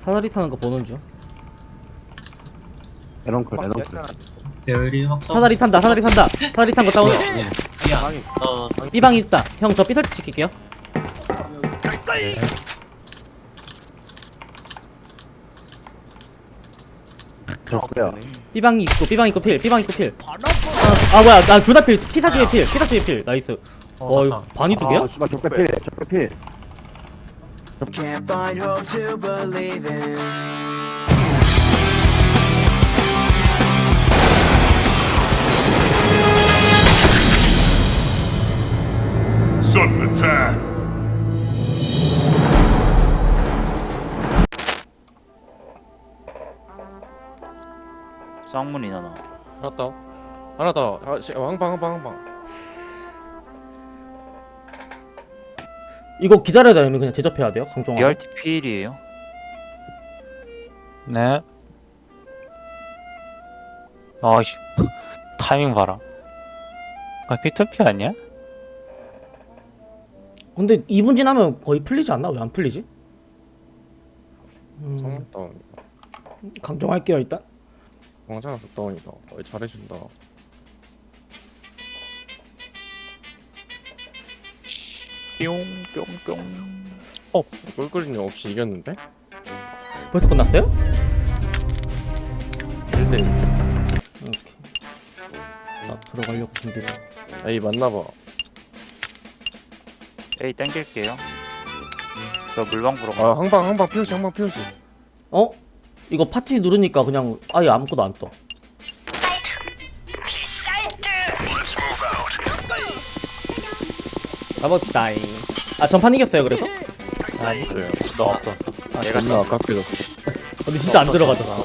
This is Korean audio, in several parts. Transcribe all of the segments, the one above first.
사다리 타는 거 보는 중. 에런클. 배율이 확성. 사다리 탄다. 사다리 탄다. 사다리 탄 거 다운. 야, B방이 있다. 형 저 B설치 시킬게요. 저거야. B방이 있고 B방 있고 필. B방 있고 필. 아 뭐야 나 둘 다 필. P40에 필. P40에 필. 나이스. 이거 맞다. 반이 두 개야? 아, 씨발 적배 필. Can't find hope to believe in. Sudden attack. 쌍문이나 나. 하나 더. 황방. 이거 기다려야 되면 그냥 제접해야 돼요. 강종아. BRT 필이에요. 네. 아이씨, 타이밍 봐라. 아, P2P 아니야? 근데 2분 지나면 거의 풀리지 않나? 왜 안 풀리지? 성문 다운. 강종할게요 일단. 왕자가 다운이다. 잘해준다. 뿅뿅뿅. 꿀꿀이님 없이 이겼는데? 벌써 끝났어요? 1대1. 오케이. 나 들어가려고 준비. 에이 맞나봐. A 땡길게요. 저 물방 보러 아 가. 항방 피오시. 어? 이거 파티 누르니까 그냥 아예 아무것도 안 떠. 가봅시다잉. 아 전판 이겼어요 그래서? 아니, 있어요. 너 없었어. 아 존나 아깝게 졌어. 근데 진짜 안 들어가졌어.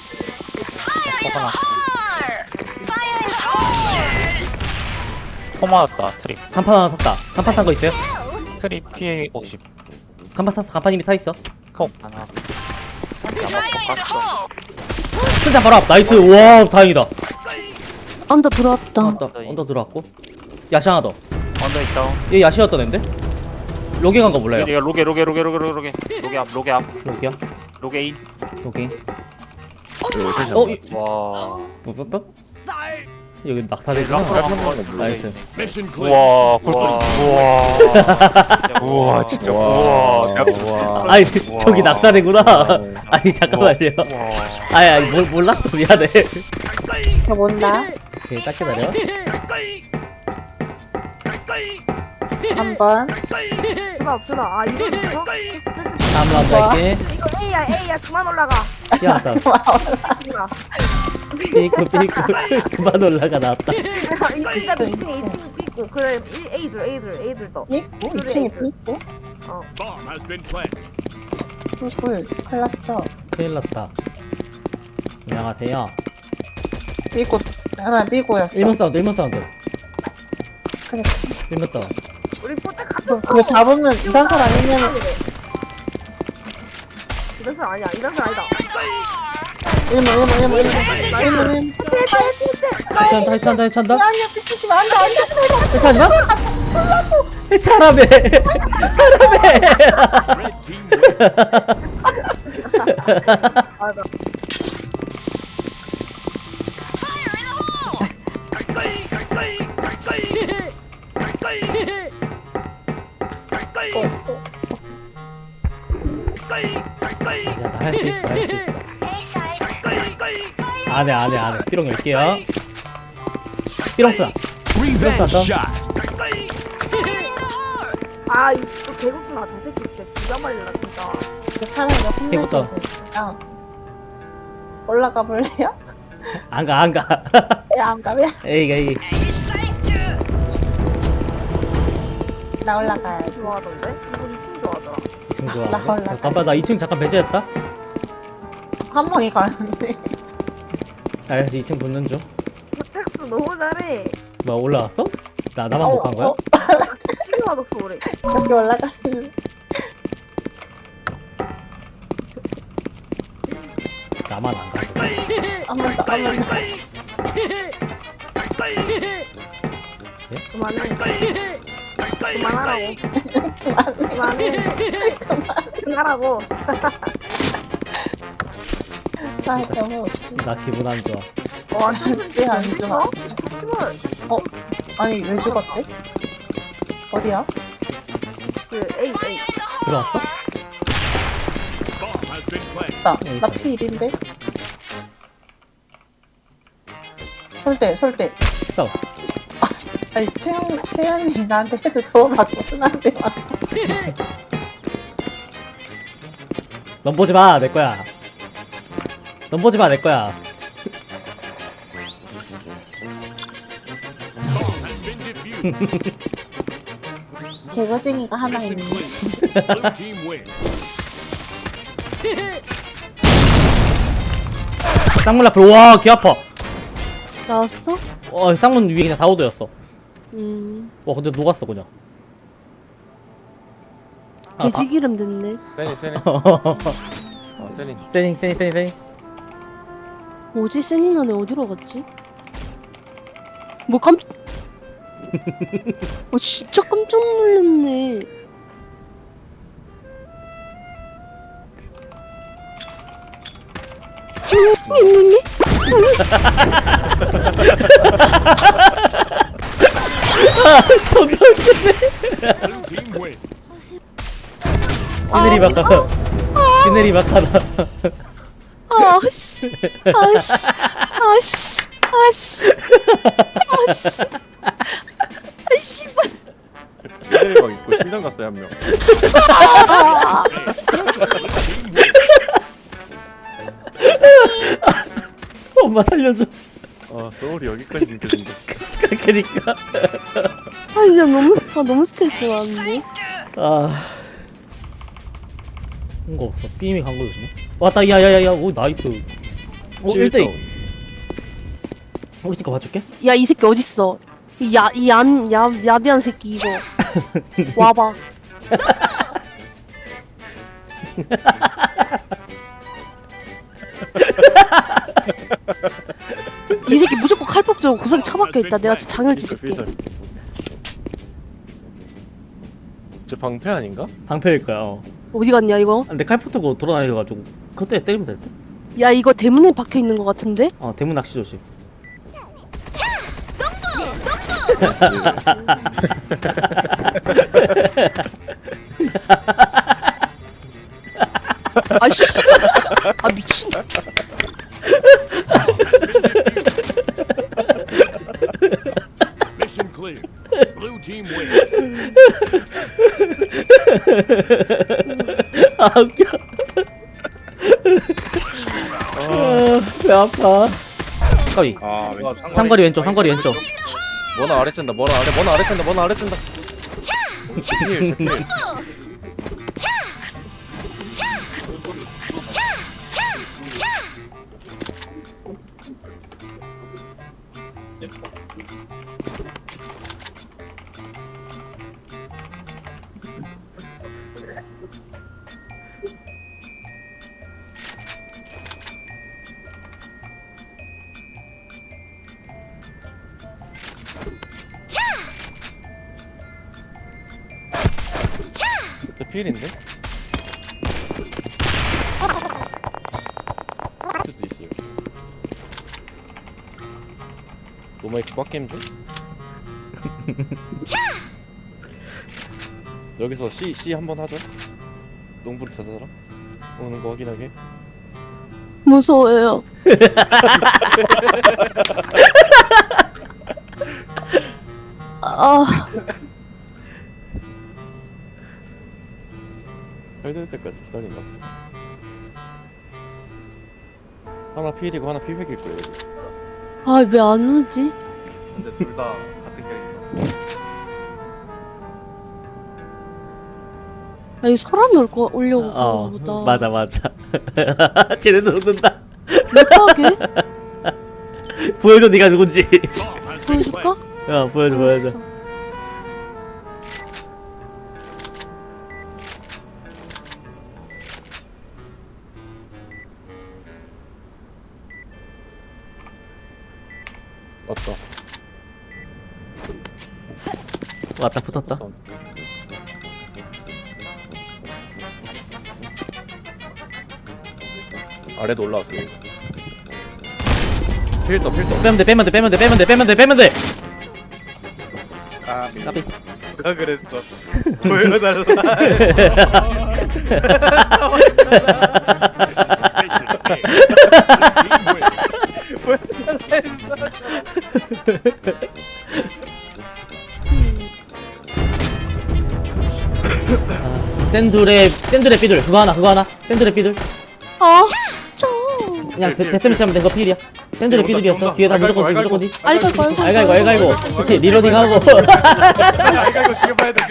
포 맞았다, 트립. 간판 하나 샀다. 간판 탄 거 있어요? 트립 P50. 간판 탔어. 간판 이미 타 있어. 하나. 한번 깎았어. 승자 바로 앞. 나이스. 와 다행이다. 언더 들어왔다. 맞다. 언더 들어왔고. 야시 하나 더. 언더 있다. 얘 야시였던 앤데? 로게 간 거 몰라요. 얘가 로게 앞. 로게야? 로게 인. 로게. 어? 와. 뭐? 여기 낙타대구나. 나이스. Mission clear. 우와, 꿀꿀이. 우와, 진짜. 우와, 아니 저기 낙사대구나. 아니 잠깐만요. 아니 몰랐어 미안해. 너 뭔다? 오케이 딱 기다려. 한번 없어. 아 이거 있어? 다음 라운드 할게. 이거 A야 그만 올라가. 야다. 삐꾸 그만 올라가 나왔다. 2층까지 2층 삐고 그래 A들 더. 삐고 2층에 삐고 Bomb has been planted. 꿀꿀 클라스터 큰일 났다. 안녕하세요. 삐고 하나 삐고였어. 1번 사운드 1번 사운드. 그니까 1번 다운. 우리 포tek 같았어. 그거 잡으면 이단설 아니면 이단설 아니야. 이단설 아니다. 1문 해찬다. 아니야 삐치시면 안돼 해차하지 마. 해차라며. Red team wins. 야나 할 수 있어. 안해. 삐롱 열게요. 삐롱 쓰나. Revenge 삐롱 쐈다. shot. 아 이거 개국수나 저 새끼 진짜 죽여말릴라 진짜. 차라리 이거부터. 혼내주니까 올라가 볼래요? 안 가. 안 가면 에이. 나 올라가야지. 좋아하던데? 이거 2층 좋아하더라. 2층 좋아. 나 올라가. 잠깐만 나 2층 잠깐 배제했다. 한 방에 가는데 알았어 2층 붙는 중. 포텍스 너무 잘해. 뭐 올라왔어? 나만 못 간 거야? 지금 와독 소리. 여기 올라가는 나만 안 가지. 한번 더. 그만해. 그만하라고. 그만해. 그만하라고. 아 너무 웃겨. 나 기분 안 좋아. 왜안 좋아? 스키볼 아니 왜 죽었대? 어디야? 그 A 들어왔어? Bomb has been planted. 나 P1인데? 설대 싸워. 아니 채연이 나한테 헤드 두번 맞고 순한테 맞고 넌 보지 마, 내 거야. 넌 보지 마, 내 거야. Bomb has been defused. 개거쟁이가 하나 Mission 있네. clear. Blue team win. 쌍문 라플, 와, 귀 아파. 나왔어? 쌍문 위에 그냥 4호도였어. 음. 와, 근데 녹았어, 그냥. 돼지 기름 됐네. 세니 세니 세닝. 뭐지? 세니나네 어디로 갔지? 뭐 깜... 진짜 깜짝 놀랐네. 있는데? 존나 Blue team win. 시네리 막하다. 시네리 막하다. 아씨, 아씨, 아씨, 아씨, 아씨, 아씨발. 세니막 있고 신경 갔어요 한 명. 엄마 살려줘. 아 소울이 여기까지 이렇게 생겼어. 그니까. 진짜 너무 스트레스 받는데. 뭔가 없어. 삐임이 간 거지 뭐. 왔다, 야야야야. 오, 나이스. 오, 1대2. 우리 팀거 봐줄게. 야, 이 새끼 어딨어? 야비한 새끼 이거. 와봐. 이 새끼 무조건 칼폭 들고 구석에 처박혀 있다. 내가 진짜 장을 찢을게. 저 방패 아닌가? 방패일 거야. 어디 갔냐 이거? 근데 칼포 들고 돌아다녀가지고 그때 때리면 될 듯? 야, 이거 대문에 박혀 있는 것 같은데? 대문 낚시 조심. 아씨, 아 미친. Mission clear. Blue team win. 웃겨. 배 아파. 까비. 삼거리 왼쪽. 뭐나 아래 쨘다. 뭐나 아래 쨘다. 제필. 필인데? 수도 있어요. 노마이크 꽉 게임 중? 여기서 C 한번 하죠. 농부를 찾아라. 오는 거 확인하게. 무서워요. 할 때까지 기다린다. 하나 필이고 하나 필백일 거예요. 왜 안 오지? 근데 둘 다 같은 캐릭터. 이 사람이 오려고 그러나 보다. 맞아. 쟤네도 웃는다. 못하게? 보여줘, 네가 누군지. Bomb has been 보여줄까? planted. 보여줘. 알았어. 왔다, 붙었다. 아래도 올라왔어요. 필더 빼면 돼 빼면 돼 빼면 돼 빼면 돼 빼면 돼 빼면 돼. 아 까비. 누가 그랬어 보여달라 Mission failed. Blue team wins. 샌둘의 삐둘 그거 하나 샌둘의 삐둘. 아 진짜. 그냥 데스매치 하면 된거 필이야. 샌둘의 삐둘이었어. 뒤에다 무조건 뒤. 알고 알갈고 그렇지 리로딩하고. 지금 봐야 돼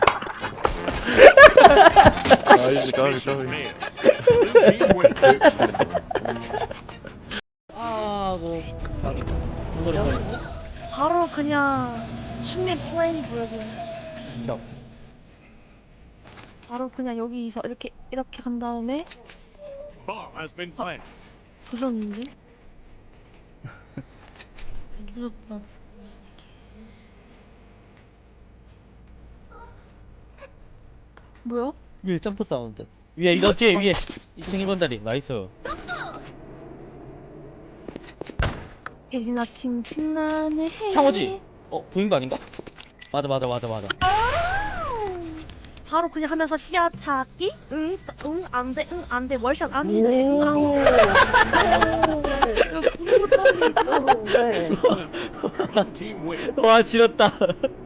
Mission failed. Blue team wins. 아고 바로 그냥 숨의 플레이 보여줘요. 바로 그냥 여기서 이렇게 간 다음에 Bomb has been planted. 부셨는데? 부셨다. 뭐야? 위에 점프 사운드. 위에 이거 뒤에 위에 2층 1번 다리 나이스. 예진아 칭칭나네. 창호지. 보인 거 아닌가? 맞아. 바로 그냥 하면서 시야 찾기? 응, 안돼, 안돼, 월샷 아니. 응, Blue team wins. 와 지렸다.